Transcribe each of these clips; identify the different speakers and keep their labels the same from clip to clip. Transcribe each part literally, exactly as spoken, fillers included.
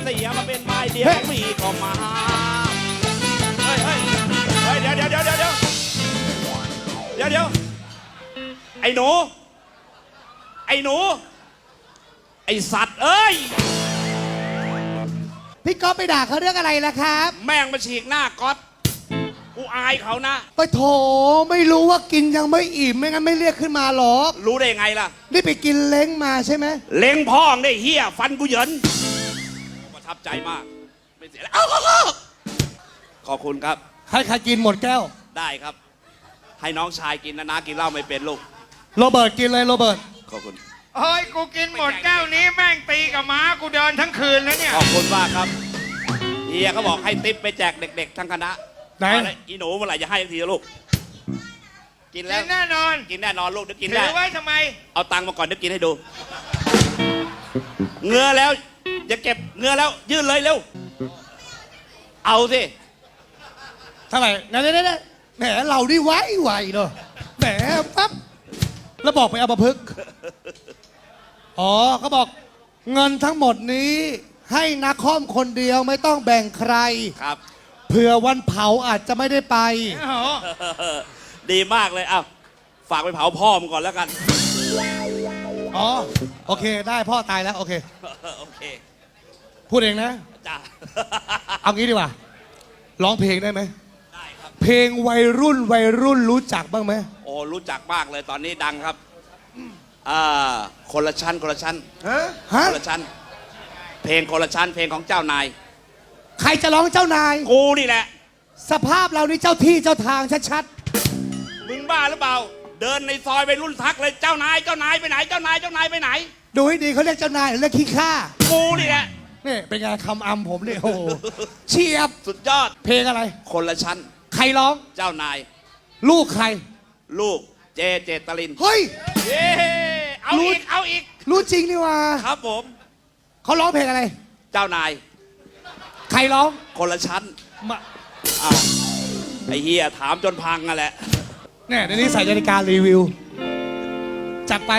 Speaker 1: เสียมาเป็นไม้เดียวมีก็มาเฮ้ยเฮ้ยเฮ้ยเดี๋ยวเดี๋ยวเดี๋ยวเดี๋ยวเดี๋ยวเดี๋ยวเดี๋ยวไอ้หนูไอ้หนูไอ้สัตว์เอ้ย
Speaker 2: พี่ก๊อฟไปด่าเขาเรื่องอะไรล่ะครับ
Speaker 1: แม่งมาฉีกหน้าก๊อตกูอายเขานะ
Speaker 2: ไปโถไม่รู้ว่ากินยังไม่อิ่มไม่งั้นไม่เรียกขึ้นมาหรอก
Speaker 1: รู้ได้ไงล่ะ
Speaker 2: นี่ไปกินเล้งมาใช่ไหม
Speaker 1: เล้งพ่องได้เฮียฟันกูเหยินประทับใจมากไม่เสียแล้วขอบคุณครับ
Speaker 2: ให้ใครกินหมดแก้ว
Speaker 1: ได้ครับให้น้องชายกินนะนะกินเหล้าไม่เป็นลูก
Speaker 2: โรเบิร์ตกินเลยโรเบิร์ต
Speaker 1: ขอบคุณ
Speaker 3: เฮ้ยกูกินหมดแก้วนี้แม่งตีกับม้ากูเดินทั้งคืนแล้วเนี่ย
Speaker 1: ขอบคุณมากครับเฮียเขาบอกให้ติ๊บไปแจกเด็กๆทั้งคณะ
Speaker 2: ไหน
Speaker 1: อีหนูเมื่อไหร่จะให้ทีลูกกินแล้ว
Speaker 3: แน่นอน
Speaker 1: กินแน่นอนลูกเดี๋ยวกินได้
Speaker 3: ถือไว้ทำไม
Speaker 1: เอาตังค์มาก่อนเดี๋ยวกินให้ดูเงือแล้วอย่าเก็บเงือแล้วยื่นเลยเร็วเอาสิ
Speaker 2: เท่าไหร่นั่นนั่นแหมเราดิไวไวเนาะแหมปั๊บแล้วบอกไปเอาประพฤกษ์อ๋อเขาบอกเงินทั้งหมดนี้ให้นักคอมคนเดียวไม่ต้องแบ่งใคร
Speaker 1: ครับ
Speaker 2: เผื่อวันเผาอาจจะไม่ได้ไป
Speaker 1: ดีมากเลยอ้าวฝากไปเผาพ่อมึงก่อนแล้วกัน
Speaker 2: อ๋อโอเคได้พ่อตายแล้วโอเค
Speaker 1: โอเค
Speaker 2: พูดเองนะ
Speaker 1: จ้า
Speaker 2: เอางี้ดีกว่าร้องเพลงได้ไหม
Speaker 1: ได้ครับ
Speaker 2: เพลงวัยรุ่นวัยรุ่นรู้จักบ้างไหม
Speaker 1: โอ้รู้จักมากเลยตอนนี้ดังครับอ่าคนละชั้นคนละชั้น
Speaker 2: ฮะ
Speaker 1: คนละชั้นเพลงคนละชั้นเพลงของเจ้านาย
Speaker 2: ใครจะร้องเจ้านาย
Speaker 1: กูนี่แหละ
Speaker 2: สภาพเรานี่เจ้าที่เจ้าทางชัด
Speaker 1: ๆมึงบ้าหรือเปล่าเดินในซอยไปรุ่นทักเลยเจ้านายเจ้านายไปไหนเจ้านายเจ้านายไปไหน
Speaker 2: ดูให้ดีเขาเรียกเจ้านายหรือเรียกขี้ข้า
Speaker 1: กูนี่แหละ
Speaker 2: นี่เป็นไงคำอำผมเนี่ยโอ้เฉียบ
Speaker 1: สุดยอด
Speaker 2: เพลงอะไร
Speaker 1: คนละชั้น
Speaker 2: ใครร้อง
Speaker 1: เจ้านาย
Speaker 2: ลูกใคร
Speaker 1: ลูกเจเจตลิน
Speaker 2: เฮ้ย
Speaker 1: เย้เอาอีกเอาอีก
Speaker 2: รู้จริงนี่ว่า
Speaker 1: ครับผม
Speaker 2: เขาร้องเพลงอะไร
Speaker 1: เจ้านาย
Speaker 2: ใครร้อง
Speaker 1: คนละชั้น
Speaker 2: มา
Speaker 1: อ้าวไอ้เฮียถามจนพังนั่นแหละ
Speaker 2: เนี่ยเดี๋ยวนี้ใส่นาฬิการีวิวจัดไป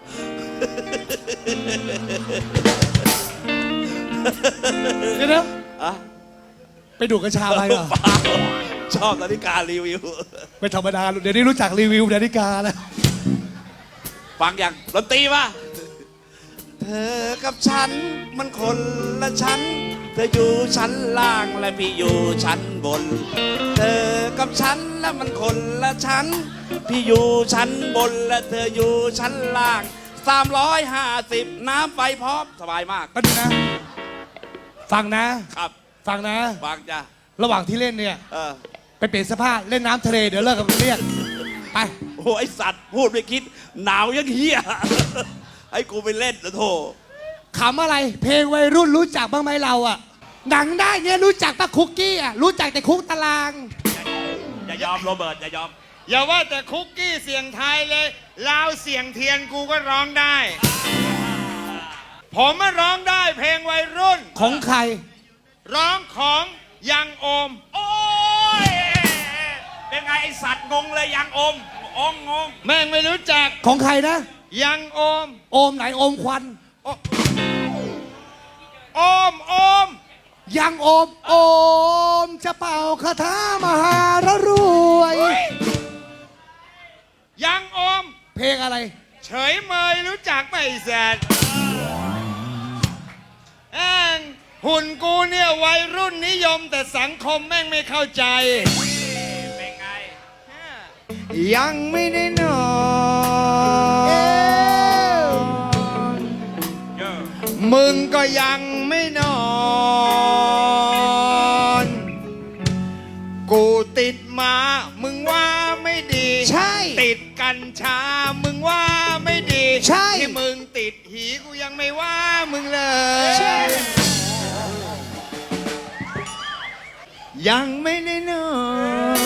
Speaker 2: เดี๋ยวนะไปดูกัญชาไปเหรอ
Speaker 1: ชอบนาฬิการีวิว
Speaker 2: ไม่ธรรมดาเดี๋ยวนี้รู้จักรีวิวนาฬิกาแล้ว
Speaker 1: ฟังอย่างดนตรีป่ะเธอกับฉันมันคนละชั้นเธออยู่ชั้นล่างและพี่อยู่ชั้นบนเธอกับฉันแล้วมันคนละชั้นพี่อยู่ชั้นบนและเธออยู่ชั้นล่างสามร้อยห้าสิบน้ำไฟพร้อมสบายมาก
Speaker 2: ก็ดีนะฟังนะครับฟังนะ
Speaker 1: ฟังจ้ะ
Speaker 2: ระหว่างที่เล่นเนี่ย
Speaker 1: เออ
Speaker 2: ไปเปลี่ยนเสื้อผ้าเล่นน้ำทะเลเดี๋ยวเลิกกับเรียกไป
Speaker 1: โอ้ไอสัตว์พูดไม่คิดหนาวยังเฮียให้กูไปเล่นนะโธ่
Speaker 2: ขำอะไรเพลงวัยรุ่นรู้จักบ้างไหมเราอ่ะหนังได้เนี่ยรู้จักปะคุกกี้อ่ะรู้จักแต่คุกตาราง
Speaker 1: อย่ายอมโรเบิร์ตอย่ายอม
Speaker 3: อย่าว่าแต่คุกกี้เสียงไทยเลยลาวเสียงเทียนกูก็ร้องได้ผมมาร้องได้เพลงวัยรุ่น
Speaker 2: ของใคร
Speaker 3: ร้องของยังโอม
Speaker 1: โอ้ยเป็นไงไอสัตว์งงเลยยังโอมองงง
Speaker 3: แม่งไม่รู้จัก
Speaker 2: ของใครนะ
Speaker 3: ยังโอม
Speaker 2: โอมไหนโอมควัน
Speaker 3: โอมโอม
Speaker 2: ยังโอมโอมจะเป่าคาถามหารรวย
Speaker 3: ยังโอม
Speaker 2: เพลงอะไร
Speaker 3: เฉยเมยรู้จักไหมแซดแองหุ่นกูเนี่ยวัยรุ่นนิยมแต่สังคมแม่งไม่เข้าใจ
Speaker 1: เป็นไง
Speaker 3: ยังไม่ได้นอนมึงก็ยังไม่นอนกูติดมามึงว่าไม่ดี
Speaker 2: ใช่
Speaker 3: ติดกัญชามึงว่าไม่ดี
Speaker 2: ใช่
Speaker 3: ที่มึงติดหีกูยังไม่ว่ามึงเลย
Speaker 2: ใช่
Speaker 3: ยังไม่ได้นอน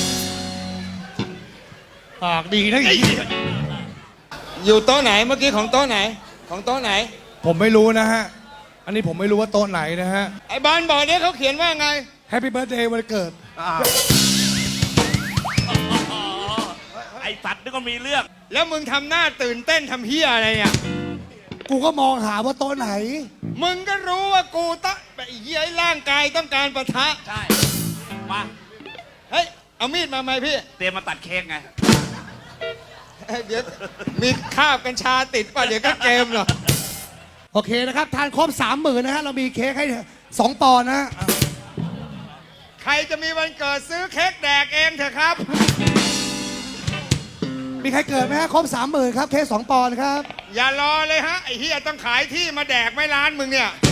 Speaker 2: ปากดีนะ
Speaker 3: อยู่โต๊ะไหนเมื่อกี้ของโต๊ะไหนของโต๊ะไหน
Speaker 2: ผมไม่รู้นะฮะอันนี้ผมไม่รู้ว่าโต๊ะไหนนะฮะ
Speaker 3: ไอ้บอลบอกเนี่ยเขาเขียนว่าไง
Speaker 2: Happy Birthday วันเกิด
Speaker 1: ไอ้สัตว์นี่ก็มีเรื่อง
Speaker 3: แล้วมึงทำหน้าตื่นเต้นทำเฮียอะไรเนี่ย
Speaker 2: กูก็มองหาว่าโต๊ะไหน
Speaker 3: มึงก็รู้ว่ากูต้องไอ้เหี้ยร่างกายต้องการปะทะ
Speaker 1: ใช่ มา
Speaker 3: เฮ้ย เอามีดมาไหมพี่
Speaker 1: เตรียมมาตัดเค้กไง
Speaker 3: เฮ้ยเดี๋ยวมีคราบกัญชาติดป่ะเดี๋ยวก็เกมหรอก
Speaker 2: โอเคนะครับ ทานครบสามหมื่นนะฮะ เรามีเค้กให้สองปอนด์นะฮะ
Speaker 3: ใครจะมีวันเกิดซื้อเค้กแดกเองเถอะครับ
Speaker 2: มีใครเกิดไหมฮะ ครบสามหมื่นครับ เค้กสองปอนด์ครับ
Speaker 3: อย่ารอเลยฮะ ไอ้เฮียต้องขายที่มาแดกไม่ร้านมึงเนี่ย